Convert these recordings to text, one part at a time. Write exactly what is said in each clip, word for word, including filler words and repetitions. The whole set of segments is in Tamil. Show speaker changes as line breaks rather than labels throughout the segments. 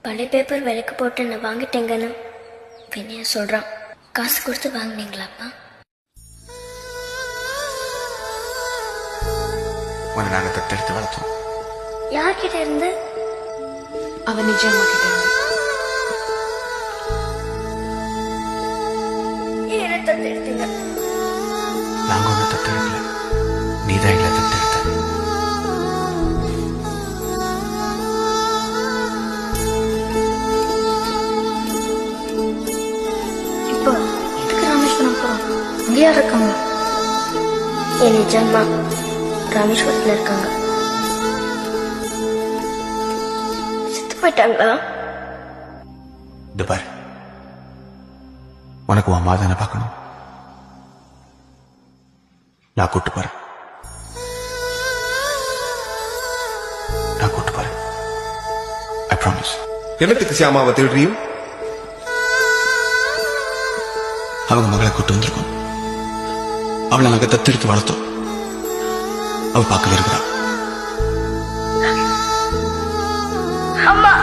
பழைய பேப்பர் விலைக்கு போட்டு நான் வாங்கிட்டேங்கன்னு வினய சொல்கிறான். காசு கொடுத்து வாங்கினீங்களாப்பா?
உன்னை நாங்கள் தத்தெடுத்து வளர்த்தோம்.
யார்கிட்ட இருந்து?
அவன் நிஜமா கிட்ட இருந்து.
ஏன் என்ன தத்தெடுத்தீங்க?
நாங்க ஒண்ணு தத்தெடுக்கல, நீதான் எங்களை தத்தெடுத்த.
இப்போ எதுக்கு ராமேஸ்வரம் போறோம்? அங்க யார் இருக்காங்க? என் நிஜம்மா ராமேஸ்வரத்துல இருக்காங்க. செத்து போயிட்டாங்களா?
இது பாரு, உனக்கு உன் மாதான பார்க்கணும், நான் கூட்டு போறேன். நான் கூட்டு போறேன். I promise.
என்னத்துக்கு சியாமாவை தேடுறியும்?
அவங்க மகளை கூட்டு வந்திருக்கோம். அவளை நாங்க தத்தெடுத்து வளர்த்தோம். அவ பார்க்கவே இருக்கிறா.
அம்மா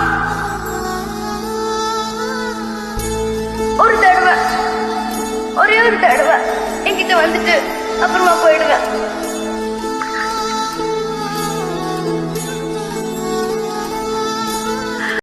ஒரு தடவை, ஒரே ஒரு தடவை என்கிட்ட வந்துட்டு அப்புறமா போயிடுவேன்.